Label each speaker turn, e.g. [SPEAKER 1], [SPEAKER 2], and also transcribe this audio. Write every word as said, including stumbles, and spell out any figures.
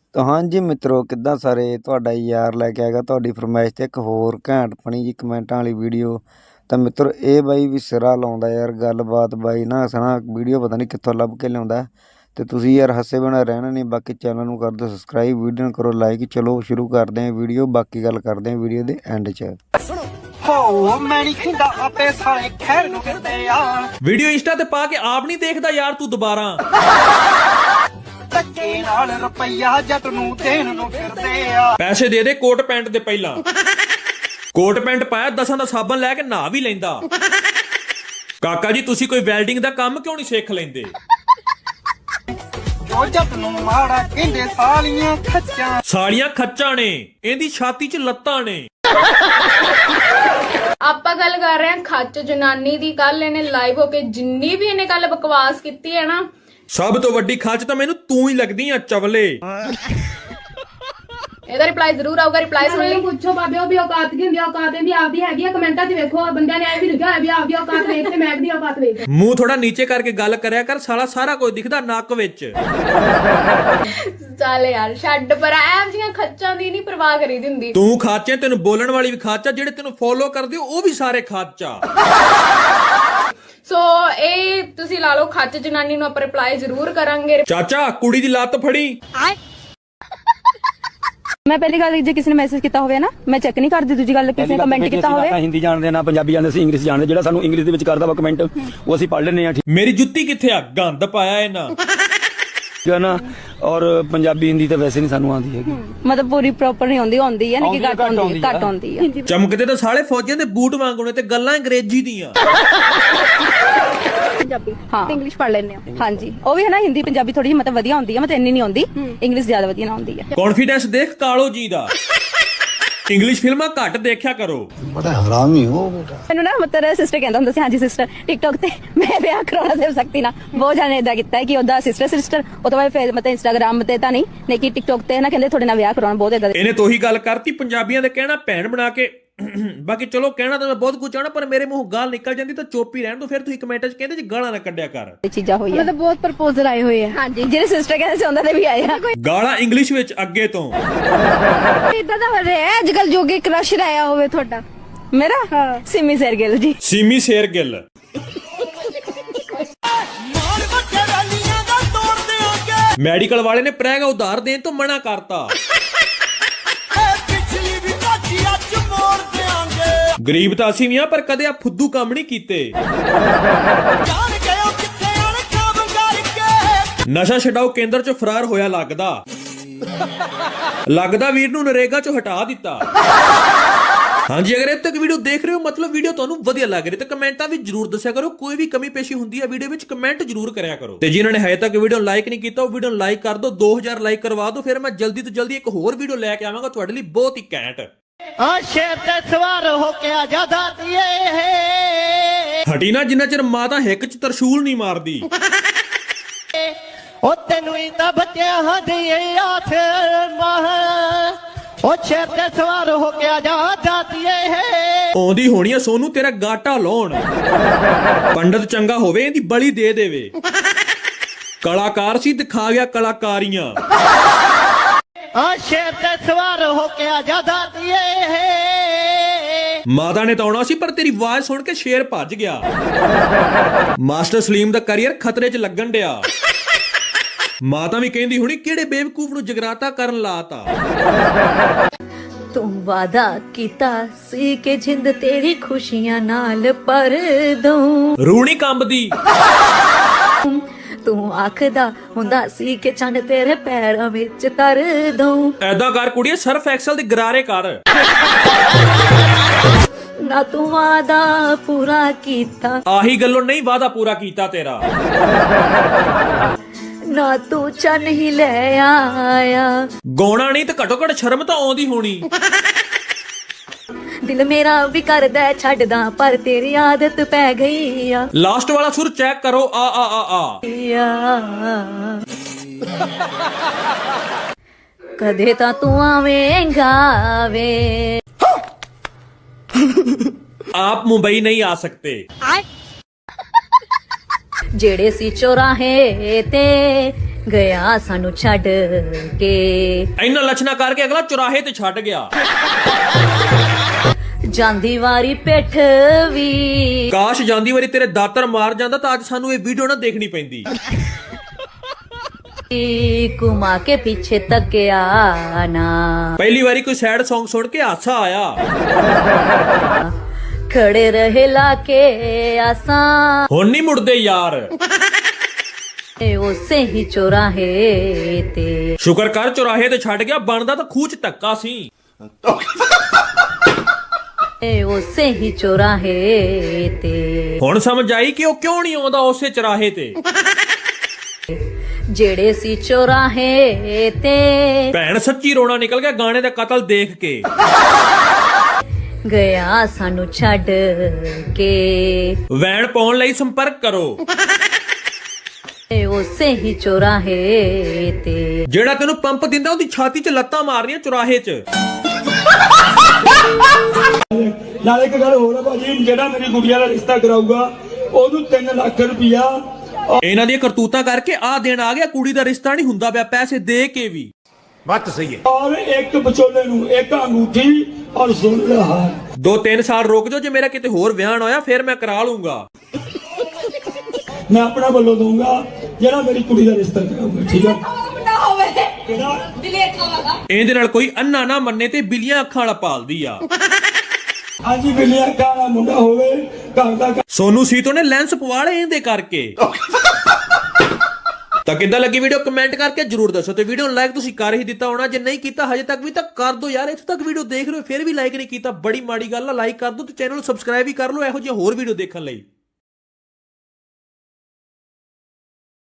[SPEAKER 1] ਤਾਂ ਹਾਂਜੀ ਮਿੱਤਰੋ ਕਿੱਦਾਂ ਸਾਰੇ ਤੁਹਾਡਾ ਯਾਰ ਲੈ ਕੇ ਆਏਗਾ ਤੁਹਾਡੀ ਫਰਮਾਇਸ਼ ਤੇ ਇੱਕ ਹੋਰ ਘੈਂਟ ਫਣੀ ਜੀ ਕਮੈਂਟਾਂ ਵਾਲੀ ਵੀਡੀਓ। ਤਾਂ ਮਿੱਤਰੋ ਇਹ ਬਾਈ ਵੀ ਸਿਰਾ ਲਾਉਂਦਾ ਯਾਰ, ਗੱਲਬਾਤ ਬਾਈ ਨਾ ਹੱਸਣਾ ਵੀਡੀਓ ਪਤਾ ਨਹੀਂ ਕਿੱਥੋਂ ਲੱਭ ਕੇ ਲਿਆਉਂਦਾ। ਤੇ ਤੁਸੀਂ ਯਾਰ ਹੱਸੇ ਬਿਨਾਂ ਰਹਿਣਾ ਨਹੀਂ। ਬਾਕੀ ਚੈਨਲ ਨੂੰ ਕਰ ਦਿਓ ਸਬਸਕ੍ਰਾਈਬ, ਵੀਡੀਓ ਨੂੰ ਕਰੋ ਲਾਈਕ। ਚਲੋ ਸ਼ੁਰੂ ਕਰਦੇ ਹਾਂ ਵੀਡੀਓ, ਬਾਕੀ ਗੱਲ ਕਰਦੇ ਹਾਂ ਵੀਡੀਓ ਦੇ ਐਂਡ 'ਚ।
[SPEAKER 2] ਹੋ ਮੈਂ ਨਹੀਂ ਖਿੰਦਾ ਆਪੇ ਸਾਲੇ ਖੈਰ ਨੂੰ ਫਿਰਦੇ ਆ।
[SPEAKER 3] ਵੀਡੀਓ ਇੰਸਟਾ ਤੇ ਪਾ ਕੇ ਆਪ ਨਹੀਂ ਦੇਖਦਾ ਯਾਰ ਤੂੰ ਦੁਬਾਰਾ।
[SPEAKER 2] ਧੱਕੇ ਨਾਲ ਰੁਪਈਆ ਜੱਟ ਨੂੰ ਦੇਣ ਨੂੰ ਫਿਰਦੇ ਆ।
[SPEAKER 3] ਪੈਸੇ ਦੇ ਦੇ ਕੋਟ ਪੈਂਟ ਦੇ ਪਹਿਲਾਂ। ਕੋਟ ਪੈਂਟ ਪਾਇਆ ਦਸਾਂ ਦਾ ਸਾਬਣ ਲੈ ਕੇ ਨਹਾ ਵੀ ਲੈਂਦਾ। ਕਾਕਾ ਜੀ ਤੁਸੀਂ ਕੋਈ ਵੈਲਡਿੰਗ ਦਾ ਕੰਮ ਕਿਉਂ ਨਹੀਂ ਸਿੱਖ ਲੈਂਦੇ?
[SPEAKER 2] ਜੋ ਜੱਟ ਨੂੰ ਮਾੜਾ ਕਹਿੰਦੇ ਸਾਲੀਆਂ ਖੱਚਾਂ।
[SPEAKER 3] ਸਾਲੀਆਂ ਖੱਚਾਂ ਨੇ, ਇਹਦੀ ਛਾਤੀ 'ਚ ਲੱਤਾਂ ਨੇ।
[SPEAKER 4] ਆਪਾਂ ਗੱਲ ਕਰ ਰਹੇ ਹਾਂ ਖੱਚ ਜਨਾਨੀ ਦੀ। ਕੱਲ ਇਹਨੇ ਲਾਈਵ ਹੋ ਕੇ ਜਿੰਨੀ ਵੀ ਇਹਨੇ ਕੱਲ ਬਕਵਾਸ ਕੀਤੀ ਹੈ ਨਾ,
[SPEAKER 3] ਸਭ ਤੋਂ ਵੱਡੀ ਖੱਚ ਤਾਂ ਮੈਨੂੰ ਤੂੰ ਹੀ ਲੱਗਦੀ ਆ ਚਵਲੇ।
[SPEAKER 4] ਇਹਦਾ ਰਿਪਲਾਈ ਜ਼ਰੂਰ ਆਊਗਾ। ਰਿਪਲਾਈ ਸੁਣ ਲਈ।
[SPEAKER 5] ਪੁੱਛੋ ਬਾਬੇ ਉਹ ਵੀ ਔਕਾਤ ਕੀ ਹੁੰਦੀ ਆ? ਔਕਾਤ ਇਹਦੀ ਆਪਦੀ ਹੈਗੀ ਆ। ਕਮੈਂਟਾਂ 'ਚ ਵੇਖੋ ਬੰਦਿਆਂ ਨੇ ਐ ਵੀ ਲਿਖਿਆ ਹੋਇਆ ਵੀ ਆਪਦੀ ਔਕਾਤ ਵੇਖ ਤੇ ਮੈਂ ਦੀ ਔਕਾਤ ਵੇਖ।
[SPEAKER 3] ਮੂੰਹ ਥੋੜਾ ਨੀਚੇ ਕਰਕੇ ਗੱਲ ਕਰਿਆ ਕਰ ਸਾਲਾ, ਸਾਰਾ ਕੁਝ ਦਿਖਦਾ ਨੱਕ ਵਿੱਚ।
[SPEAKER 4] ਚੱਲ ਯਾਰ ਛੱਡ ਪਰ ਐਮ ਜੀਆਂ ਖੱਚਾਂ ਦੀ ਨਹੀਂ ਪਰਵਾਹ ਕਰੀਦੀ ਹੁੰਦੀ।
[SPEAKER 3] ਤੂੰ ਖਾਚੇ, ਤੈਨੂੰ ਬੋਲਣ ਵਾਲੀ ਵੀ ਖਾਚਾ, ਜਿਹੜੇ ਤੈਨੂੰ ਫੋਲੋ ਕਰਦੇ ਉਹ ਵੀ ਸਾਰੇ ਖਾਚਾ।
[SPEAKER 4] ਸੋ ਇਹ ਤੁਸੀਂ ਲਾ ਲਓ ਖੱਚ ਜਨਾਨੀ ਨੂੰ ਆਪਾਂ ਰਿਪਲਾਈ ਜ਼ਰੂਰ ਕਰਾਂਗੇ।
[SPEAKER 3] ਚਾਚਾ ਕੁੜੀ ਦੀ ਲੱਤ ਫੜੀ।
[SPEAKER 5] ਮੈਂ ਪਹਿਲੀ ਗੱਲ ਜੇ ਕਿਸੇ ਨੇ ਮੈਸੇਜ ਕੀਤਾ ਹੋਵੇ ਨਾ ਮੈਂ ਚੈੱਕ ਨਹੀਂ ਕਰਦੀ। ਦੂਜੀ ਗੱਲ ਕਿਸੇ ਨੇ ਕਮੈਂਟ ਕੀਤਾ ਹੋਵੇ।
[SPEAKER 6] ਹਿੰਦੀ ਜਾਣਦੇ ਨਾ ਪੰਜਾਬੀ ਜਾਣਦੇ, ਅਸੀਂ ਇੰਗਲਿਸ਼ ਜਾਣਦੇ। ਜਿਹੜਾ ਸਾਨੂੰ ਇੰਗਲਿਸ਼ ਦੇ ਵਿੱਚ ਕਰਦਾ ਵਾ ਕਮੈਂਟ ਉਹ ਅਸੀਂ ਪੜ੍ਹ ਲੈਂਦੇ ਆ। ਠੀਕ
[SPEAKER 3] ਮੇਰੀ ਜੁੱਤੀ ਕਿੱਥੇ ਆ? ਗੰਦ ਪਾਇਆ ਇਹਨਾਂ।
[SPEAKER 6] ਹੈ ਨਾ। ਔਰ ਪੰਜਾਬੀ ਹਿੰਦੀ ਤਾਂ ਵੈਸੇ ਨਹੀਂ ਸਾਨੂੰ ਆਉਂਦੀ ਹੈਗੀ।
[SPEAKER 5] ਮਤਲਬ ਪੂਰੀ ਪ੍ਰੋਪਰ ਨਹੀਂ ਆਉਂਦੀ। ਆਉਂਦੀ ਹੈ ਨਾ ਕਿ ਘੱਟ ਆਉਂਦੀ ਹੈ। ਘੱਟ ਆਉਂਦੀ ਹੈ।
[SPEAKER 3] ਚਮਕਦੇ ਤਾਂ ਸਾਲੇ ਫੌਜੀਆਂ ਦੇ ਬੂਟ ਵਾਂਗੂਨੇ ਤੇ ਗੱਲਾਂ ਅੰਗਰੇਜ਼ੀ ਦੀਆਂ।
[SPEAKER 5] ਪੰਜਾਬੀ ਹਾਂ ਇੰਗਲਿਸ਼ ਪੜ੍ਹ ਲੈਂਦੇ ਆ। ਹਾਂਜੀ ਉਹ ਵੀ ਹੈ ਨਾ। ਹਿੰਦੀ ਪੰਜਾਬੀ ਥੋੜੀ ਮਤਲਬ ਵਧੀਆ ਆਉਂਦੀ ਹੈ, ਮਤਲਬ ਇੰਨੀ ਨਹੀਂ ਆਉਂਦੀ। ਇੰਗਲਿਸ਼ ਜ਼ਿਆਦਾ ਵਧੀਆ ਨਾ ਆਉਂਦੀ ਹੈ।
[SPEAKER 3] ਕੌਨਫੀਡੈਂਸ ਦੇਖ ਕਾਲੋ ਜੀ ਦਾ। ਇੰਗਲਿਸ਼ ਫਿਲਮਾਂ ਘੱਟ ਦੇਖਿਆ ਕਰੋ।
[SPEAKER 1] ਬੜਾ ਹਰਾਮੀ ਹੋ ਬੇਟਾ।
[SPEAKER 5] ਮੈਨੂੰ ਨਾ ਮਤਲਬ ਸਿਸਟਰ ਕਹਿੰਦਾ ਹੁੰਦਾ ਸੀ, ਹਾਂਜੀ ਸਿਸਟਰ ਟਿਕਟੌਕ ਤੇ ਮੈਂ ਵਿਆਹ ਕਰਾਉਣਾ ਸਿਰ ਸਕਤੀ ਨਾ ਬਹੁਤ ਜਾਣੇ ਇਦਾਂ ਕੀਤਾ ਹੈ ਕਿ ਉਹਦਾ ਸਿਸਟਰ ਸਿਸਟਰ ਉਹ ਤੋਂ ਬਾਅਦ ਫਿਰ ਮਤਲਬ ਇੰਸਟਾਗ੍ਰਾਮ ਤੇ ਤਾਂ ਨਹੀਂ ਲੇਕਿਨ ਟਿਕਟੌਕ ਤੇ ਨਾ ਕਹਿੰਦੇ ਤੁਹਾਡੇ ਨਾਲ ਵਿਆਹ ਕਰਾਉਣਾ ਬਹੁਤ ਇਦਾਂ।
[SPEAKER 3] ਇਹਨੇ ਤੋਹੀ ਗੱਲ ਕਰਤੀ ਪੰਜਾਬੀਆਂ ਦੇ ਕਹਿਣਾ ਭੈਣ ਬਣਾ ਕੇ। ਬਾਕੀ ਚਲੋ ਕਹਿਣਾ ਤਾਂ ਮੈਂ ਬਹੁਤ ਕੁਝ ਚਾਹਣਾ, ਪਰ ਮੇਰੇ ਮੂੰਹੋਂ ਗਾਲ ਨਿਕਲ ਜਾਂਦੀ ਤਾਂ ਚੁੱਪ ਹੀ ਰਹਿਣ ਦੋ। ਫਿਰ ਤੁਸੀਂ ਕਮੈਂਟਾਂ 'ਚ ਕਹਿੰਦੇ ਜੀ ਗਾਲਾਂ ਨਾ ਕੱਢਿਆ ਕਰ।
[SPEAKER 5] ਇਹ ਚੀਜ਼ਾਂ ਹੋਈਆਂ ਮਤਲਬ ਬਹੁਤ ਪ੍ਰਪੋਜ਼ਲ ਆਏ ਹੋਏ ਆ। ਹਾਂਜੀ ਜਿਹੜੇ ਸਿਸਟਰ ਕਹਿੰਦੇ ਸੀ ਉਹਨਾਂ ਦੇ ਵੀ ਆਏ ਆ।
[SPEAKER 3] ਗਾਲਾਂ ਇੰਗਲਿਸ਼ ਵਿੱਚ ਅੱਗੇ ਤੋਂ।
[SPEAKER 5] ਇਦਾਂ ਦਾ ਹੋ ਰਿਹਾ ਅੱਜ ਕੱਲ ਜੋਗੇ ਕ੍ਰਸ਼ ਆਇਆ ਹੋਵੇ ਤੁਹਾਡਾ? ਮੇਰਾ ਹਾਂ ਸਿਮੀ ਸਰਗਿਲ ਜੀ।
[SPEAKER 3] ਸਿਮੀ ਸ਼ੇਰਗਿੱਲ।
[SPEAKER 2] ਮਾਰ ਵੱਡੇ ਰੈਲੀਆਂ ਦਾ ਤੋੜ ਦਿਆਂਗੇ।
[SPEAKER 3] ਮੈਡੀਕਲ ਵਾਲੇ ਨੇ ਪ੍ਰੈਗਾ ਉਧਾਰ ਦੇਣ ਤੋਂ ਮਨਾ ਕਰਤਾ।
[SPEAKER 2] ਪਿਛਲੀ ਵੀ ਕਾਚੀ ਅੱਜ ਮੋੜ ਦਿਆਂਗੇ।
[SPEAKER 3] ਗਰੀਬ ਤਾਂ ਅਸੀਂ ਵੀ ਆ, ਪਰ ਕਦੇ ਆ ਫੁੱਦੂ ਕੰਮ ਨਹੀਂ ਕੀਤੇ।
[SPEAKER 2] ਜਾਣ ਗਏ ਉਹ ਕਿੱਥੇ ਅਣ ਕੰਮ ਕਰਕੇ।
[SPEAKER 3] ਨਸ਼ਾ ਛਡਾਓ ਕੇਂਦਰ 'ਚ ਫਰਾਰ ਹੋਇਆ ਲੱਗਦਾ। ਲੱਗਦਾ ਵੀਰ ਨੂੰ ਨਰੇਗਾ 'ਚੋਂ ਹਟਾ ਦਿੱਤਾ। ਹਾਂਜੀ ਅਗਰ ਇੱਥੇ ਤੱਕ ਵੀਡੀਓ ਦੇਖ ਰਹੇ ਹੋ ਮਤਲਬ ਵੀਡੀਓ ਤੁਹਾਨੂੰ ਵਧੀਆ ਲੱਗ ਰਹੀ ਤੇ ਕਮੈਂਟਾਂ ਵਿੱਚ ਜਰੂਰ ਦੱਸਿਆ ਕਰੋ। ਕੋਈ ਵੀ ਕਮੀ ਪੇਸ਼ੀ ਹੁੰਦੀ ਹੈ ਵੀਡੀਓ ਵਿੱਚ ਕਮੈਂਟ ਜਰੂਰ ਕਰਿਆ ਕਰੋ। ਤੇ ਜਿਨ੍ਹਾਂ ਨੇ ਹਜੇ ਤੱਕ ਵੀਡੀਓ ਲਾਈਕ ਨਹੀਂ ਕੀਤਾ ਉਹ ਵੀਡੀਓ ਲਾਈਕ ਕਰ ਦਿਓ। ਦੋ ਹਜ਼ਾਰ ਲਾਈਕ ਕਰਵਾ ਦਿਓ, ਫਿਰ ਮੈਂ ਜਲਦੀ ਤੋਂ ਜਲਦੀ ਇੱਕ ਹੋਰ ਵੀਡੀਓ ਲੈ ਕੇ ਆਵਾਂਗਾ ਤੁਹਾਡੇ ਲਈ ਬਹੁਤ ਹੀ ਘੈਂਟ।
[SPEAKER 2] ਆ ਸ਼ੇਰ ਤੇ ਸਵਾਰ ਹੋ ਕੇ ਆ ਜਾਦਾ ਦੀਏ।
[SPEAKER 3] ਹਟੀ ਨਾ ਜਿੰਨਾ ਚਿਰ ਮਾਤਾ ਹਿੱਕ 'ਚ ਤਰਸ਼ੂਲ ਨਹੀਂ ਮਾਰਦੀ।
[SPEAKER 2] ਉਹ ਤੈਨੂੰ ਹੀ ਤਾਂ ਬੱਚਿਆਂ ਹਦੀਏ ਆਥ ਮਾਹ। ਉਹ ਸ਼ੇਰ ਤੇ ਸਵਾਰ ਹੋ ਕੇ ਆ ਜਾਦਾ ਦੀਏ।
[SPEAKER 3] ਆਉਂਦੀ ਹੋਣੀ ਆ ਸੋਨੂੰ ਤੇਰਾ ਗਾਟਾ ਲਾਉਣ। ਪੰਡਤ ਚੰਗਾ ਹੋਵੇ ਇਹਦੀ ਬਲੀ ਦੇ ਦੇਵੇ। ਕਲਾਕਾਰ ਸੀ ਦਿਖਾ ਗਿਆ ਕਲਾਕਾਰੀਆਂ।
[SPEAKER 2] ਆ ਸ਼ੇਰ ਤੇ ਸਵਾਰ ਹੋ ਕੇ ਆ ਜਾਦਾ ਦੀਏ।
[SPEAKER 3] ਮਾਤਾ ਨੇ ਤਾਂ ਆਉਣਾ ਸੀ ਪਰ ਤੇਰੀ ਆਵਾਜ਼ ਸੁਣ ਕੇ ਸ਼ੇਰ ਭੱਜ ਗਿਆ। ਮਾਸਟਰ ਸਲੀਮ ਦਾ ਕੈਰੀਅਰ ਖਤਰੇ 'ਚ ਲੱਗਣ ਡਿਆ। ਮਾਤਾ ਵੀ ਕਹਿੰਦੀ ਹੁਣੀ ਕਿਹੜੇ ਬੇਵਕੂਫ ਨੂੰ ਜਗਰਾਤਾ ਕਰਨ ਲਾਤਾ।
[SPEAKER 7] ਤੂੰ ਵਾਦਾ ਕੀਤਾ ਸੀ ਕਿ ਜਿੰਦ ਤੇਰੀ ਖੁਸ਼ੀਆਂ ਨਾਲ ਭਰ ਦੂੰ।
[SPEAKER 3] ਰੂਣੀ ਕੰਬਦੀ।
[SPEAKER 7] ਤੂੰ ਆਖਦਾ ਹੁੰਦਾ ਸੀ ਕਿ ਚੰਨ ਤੇਰੇ ਪੈਰਾਂ ਵਿੱਚ ਤਰ ਦੂੰ।
[SPEAKER 3] ਐਦਾਂ ਕਰ ਕੁੜੀਏ ਸਰਫ ਐਕਸਲ ਦੇ ਗਰਾਰੇ ਕਰ।
[SPEAKER 7] ਨਾ ਤੂੰ ਵਾਦਾ ਪੂਰਾ ਕੀਤਾ।
[SPEAKER 3] ਆਹੀ ਗੱਲੋਂ ਨਹੀਂ ਵਾਦਾ ਪੂਰਾ ਕੀਤਾ ਤੇਰਾ।
[SPEAKER 7] ਨਾ ਤੂੰ ਚੰਨ ਹੀ ਲੈ ਆਇਆ।
[SPEAKER 3] ਗਾਉਣਾ ਨਹੀਂ ਤੇ ਘਟੋ ਘਟ ਸ਼ਰਮ ਤਾਂ ਆਉਂਦੀ ਹੋਣੀ।
[SPEAKER 7] ਦਿਲ ਮੇਰਾ ਵੀ ਕਰਦਾ ਛੱਡਦਾ ਪਰ ਤੇਰੀ ਆਦਤ ਪੈ ਗਈ ਆ।
[SPEAKER 3] ਲਾਸਟ ਵਾਲਾ ਸੁਰ ਚੈੱਕ ਕਰੋ। ਆ ਆ ਆ ਆ।
[SPEAKER 7] ਕਦੇ ਤਾਂ ਤੂੰ ਆਵੇਂਗਾ ਵੇ।
[SPEAKER 3] ਆਪ ਮੁੰਬਈ ਨਹੀਂ ਆ ਸਕਤੇ।
[SPEAKER 7] ਜਿਹੜੇ ਸੀ ਚੌਰਾਹੇ ਤੇ ਗਿਆ ਸਾਨੂੰ ਛੱਡ ਕੇ
[SPEAKER 3] ਇੰਨਾ ਲੱਛਣਾ ਕਰਕੇ ਅਗਲਾ ਚੁਰਾਹੇ ਤੇ ਛੱਡ ਗਿਆ।
[SPEAKER 7] ਜਾਂਦੀ ਵਾਰੀ ਪਿੱਠ ਵੀ
[SPEAKER 3] ਕਾਸ਼ ਜਾਂਦੀ ਵਾਰੀ ਤੇਰੇ ਦਾਤਰ ਮਾਰ ਜਾਂਦਾ ਤਾਂ ਅੱਜ ਸਾਨੂੰ ਇਹ ਵੀਡੀਓ ਨਾ ਦੇਖਣੀ ਪੈਂਦੀ।
[SPEAKER 7] ਘੁਮਾ ਕੇ ਪਿੱਛੇ ਤੱਕਿਆ ਨਾ
[SPEAKER 3] ਪਹਿਲੀ ਵਾਰੀ ਕੋਈ ਸੈਡ Song ਸੁਣ ਕੇ ਹਾਸਾ ਆਇਆ।
[SPEAKER 7] ਖੜੇ ਰਹੇ ਲਾ ਕੇ ਆਸਾਂ
[SPEAKER 3] ਹੁਣ ਨਹੀਂ ਮੁੜਦੇ ਯਾਰ।
[SPEAKER 7] ਉਸੇ ਹੀ ਚੌਰਾਹੇ ਤੇ
[SPEAKER 3] ਸ਼ੁਕਰ ਕਰ ਚੁਰਾਹੇ ਤੇ ਛੱਡ ਗਿਆ, ਬਣਦਾ ਤਾਂ ਖੂਹ ਚ ਧੱਕਾ ਸੀ।
[SPEAKER 7] ਉਸੇ ਹੀ ਚੌਰਾਹੇ ਤੇ
[SPEAKER 3] ਹੁਣ ਸਮਝ ਆਈ ਕਿ ਉਹ ਕਿਉਂ ਨਹੀਂ ਆਉਂਦਾ ਉਸੇ ਚੁਰਾਹੇ ਤੇ।
[SPEAKER 7] ਜਿਹੜੇ ਸੀ ਚੌਰਾਹੇ ਤੇ
[SPEAKER 3] ਭੈਣ ਸੱਚੀ ਰੋਣਾ ਨਿਕਲ ਗਿਆ ਗਾਣੇ ਦਾ ਕਤਲ ਦੇਖ ਕੇ।
[SPEAKER 7] ਗਿਆ ਸਾਨੂੰ ਛੱਡ ਕੇ
[SPEAKER 3] ਵੈਨ ਪਾਉਣ ਲਈ ਸੰਪਰਕ ਕਰੋ।
[SPEAKER 7] ਉਸੇ ਹੀ ਚੌਰਾਹੇ ਤੇ
[SPEAKER 3] ਜਿਹੜਾ ਤੈਨੂੰ ਪੰਪ ਦਿੰਦਾ ਉਹਦੀ ਛਾਤੀ 'ਚ ਲੱਤਾਂ ਮਾਰਨੀਆਂ ਚੁਰਾਹੇ 'ਚ।
[SPEAKER 8] ਨਾਲੇ ਇੱਕ ਗੱਲ ਹੋਰ ਹੈ ਭਾਜੀ, ਜਿਹੜਾ ਮੇਰੀ ਗੁੜੀਆ ਦਾ ਰਿਸ਼ਤਾ ਕਰਾਊਗਾ ਉਹਨੂੰ ਤਿੰਨ ਲੱਖ ਰੁਪਇਆ
[SPEAKER 3] ਇਹਨਾਂ ਦੀਆਂ ਕਰਤੂਤਾਂ ਕਰਕੇ ਆ ਦੇਣ ਆ ਗਿਆ, ਕੁੜੀ ਦਾ ਰਿਸ਼ਤਾ ਨਹੀਂ ਹੁੰਦਾ ਪਿਆ ਪੈਸੇ ਦੇ ਕੇ ਵੀ।
[SPEAKER 8] ਔਰ ਇੱਕ ਵਿਚੋਲੇ ਨੂੰ ਇੱਕ ਅੰਗੂਠੀ ਔਰ ਸੋਨੇ ਦਾ ਹਾਰ।
[SPEAKER 3] ਦੋ ਤਿੰਨ ਸਾਲ ਰੁਕ ਜਾਓ, ਜੇ ਮੇਰਾ ਕਿਤੇ ਹੋਰ ਵਿਆਹ ਨਾ ਹੋਇਆ ਫਿਰ ਮੈਂ ਕਰਾ ਲੂੰਗਾ।
[SPEAKER 8] ਮੈਂ ਆਪਣਾ ਵੱਲੋਂ ਦਊਂਗਾ ਜਿਹੜਾ ਮੇਰੀ ਕੁੜੀ ਦਾ ਰਿਸ਼ਤਾ ਕਰਾਊਗਾ, ਠੀਕ ਹੈ?
[SPEAKER 3] ਇਹਦੇ ਨਾਲ ਕੋਈ ਅੰਨਾ ਨਾ ਮੰਨੇ ਤੇ ਬਿੱਲੀਆਂ ਅੱਖਾਂ ਵਾਲਾ ਪਾਲਦੀ ਆ।
[SPEAKER 8] ਹਾਂਜੀ, ਬਿੱਲੀਆਂ ਅੱਖਾਂ ਵਾਲਾ ਮੁੰਡਾ ਹੋਵੇ ਘਰ ਦਾ।
[SPEAKER 3] ਸੋਨੂ ਸੀਤੋ ਨੇ ਲੈਂਸ ਪਵਾ ਲਏ ਇਹਦੇ ਕਰਕੇ। ਤਾਂ ਕਿੱਦਾਂ ਲੱਗੀ ਵੀਡੀਓ ਕਮੈਂਟ ਕਰਕੇ ਜਰੂਰ ਦੱਸੋ, ਤੇ ਵੀਡੀਓ ਨੂੰ ਲਾਈਕ ਤੁਸੀਂ ਕਰ ਹੀ ਦਿੱਤਾ ਹੋਣਾ, ਜੇ ਨਹੀਂ ਕੀਤਾ ਹਜੇ ਤੱਕ ਵੀ ਤਾਂ ਕਰ ਦਿਓ ਯਾਰ। ਇੱਥੇ ਤੱਕ ਵੀਡੀਓ ਦੇਖ ਰਹੇ ਹੋ ਫਿਰ ਵੀ ਲਾਈਕ ਨਹੀਂ ਕੀਤਾ, ਬੜੀ ਮਾੜੀ ਗੱਲ ਆ। ਲਾਈਕ ਕਰ ਦਿਓ ਤੇ ਚੈਨਲ ਨੂੰ ਸਬਸਕ੍ਰਾਈਬ ਵੀ ਕਰ ਲਓ ਇਹੋ ਜਿਹੀ ਹੋਰ ਵੀਡੀਓ ਦੇਖਣ ਲਈ।